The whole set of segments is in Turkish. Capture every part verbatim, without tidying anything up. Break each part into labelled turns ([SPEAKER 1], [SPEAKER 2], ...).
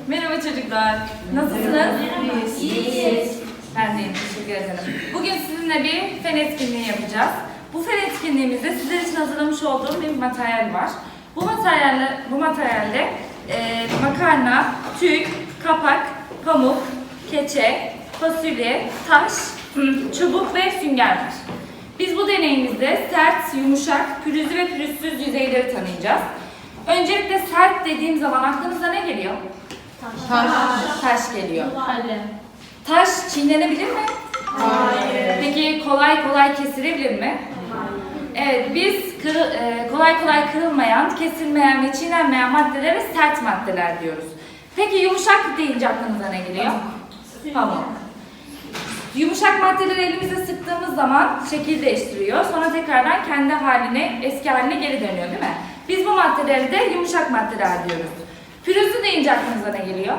[SPEAKER 1] Merhaba çocuklar. Nasılsınız?
[SPEAKER 2] İyiyiz.
[SPEAKER 1] Ben de iyiyim. Teşekkür ederim. Bugün sizinle bir fen etkinliği yapacağız. Bu fen etkinliğimizde sizler için hazırlamış olduğum bir materyal var. Bu materyalle, bu materyalde e, makarna, tüy, kapak, pamuk, keçe, fasulye, taş, çubuk ve sünger var. Biz bu deneyimizde sert, yumuşak, pürüzlü ve pürüzsüz yüzeyleri tanıyacağız. Öncelikle sert dediğim zaman aklınıza ne geliyor?
[SPEAKER 2] Taş.
[SPEAKER 1] Taş geliyor.
[SPEAKER 2] Kalem.
[SPEAKER 1] Taş çiğnenebilir mi?
[SPEAKER 2] Hayır.
[SPEAKER 1] Peki kolay kolay kesilebilir mi?
[SPEAKER 2] Hayır.
[SPEAKER 1] Evet, biz kırı- e, kolay kolay kırılmayan, kesilmeyen ve çiğnenmeyen maddelere sert maddeler diyoruz. Peki yumuşak deyince aklınıza ne geliyor? Pamuk. Yumuşak maddeleri elimizle sıktığımız zaman şekil değiştiriyor. Sonra tekrardan kendi haline, eski haline geri dönüyor değil mi? Biz bu maddeleri de yumuşak maddeler diyoruz. Pürüzlü deyince aklınıza ne geliyor?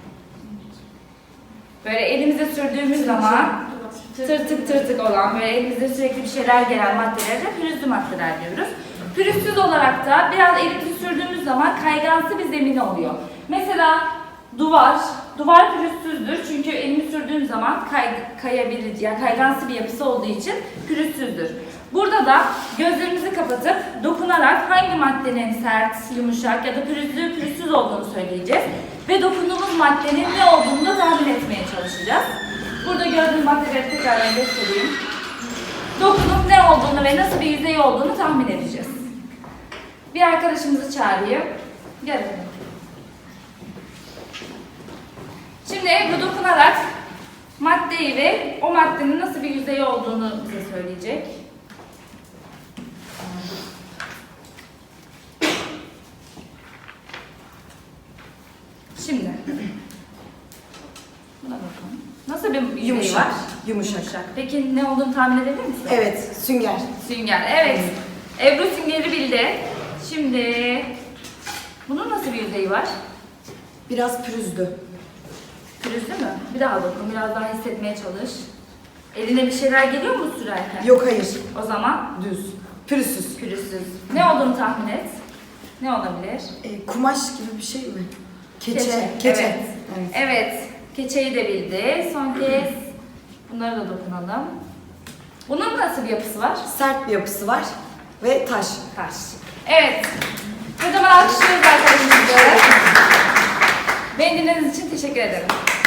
[SPEAKER 1] Böyle elimize sürdüğümüz zaman tırtık tırtık olan, böyle elimizde sürekli bir şeyler gelen maddelere de pürüzlü maddeler diyoruz. Pürüzsüz olarak da biraz elimizi sürdüğümüz zaman kaygansı bir zemin oluyor. Mesela duvar, duvar pürüzsüzdür çünkü elimi sürdüğüm zaman kay, kayabilir, yani kaygansı bir yapısı olduğu için pürüzsüzdür. Burada da gözlerimizi kapatıp dokunarak hangi maddenin sert, yumuşak ya da pürüzlü, pürüzsüz olduğunu söyleyeceğiz. Ve dokunduğumuz maddenin ne olduğunu da tahmin etmeye çalışacağız. Burada gördüğünüz maddeleri tekrar göstereyim. Dokunup ne olduğunu ve nasıl bir yüzey olduğunu tahmin edeceğiz. Bir arkadaşımızı çağırayım. Gel efendim. Şimdi Ebru dokunarak maddeyi ve o maddenin nasıl bir yüzeyi olduğunu bize söyleyecek. Şimdi buna bakalım. Nasıl bir yüzeyi
[SPEAKER 3] Yumuşak,
[SPEAKER 1] var?
[SPEAKER 3] yumuşak.
[SPEAKER 1] Peki ne olduğunu tahmin edebilir misin?
[SPEAKER 3] Evet, sünger.
[SPEAKER 1] Sünger. Evet. Ebru süngeri bildi. Şimdi bunun nasıl bir yüzeyi var?
[SPEAKER 3] Biraz pürüzlü.
[SPEAKER 1] Pürüzlü mü? Bir daha bakın. Biraz daha hissetmeye çalış. Eline bir şeyler geliyor mu sürerken?
[SPEAKER 3] Yok, hayır.
[SPEAKER 1] O zaman
[SPEAKER 3] Düz. Pürüzsüz.
[SPEAKER 1] pürüzsüz. Ne olduğunu tahmin et. Ne olabilir?
[SPEAKER 3] E, kumaş gibi bir şey mi? Keçe.
[SPEAKER 1] Keçe.
[SPEAKER 3] Keçe.
[SPEAKER 1] Evet.
[SPEAKER 3] Evet.
[SPEAKER 1] Evet. Keçeyi de bildi. Son kez bunlara da dokunalım. Bunun nasıl bir yapısı var?
[SPEAKER 3] Sert bir yapısı var ve taş.
[SPEAKER 1] Taş. Evet. Kocaman alkışlıyoruz arkadaşımızı. Beni dinlediğiniz için teşekkür ederim.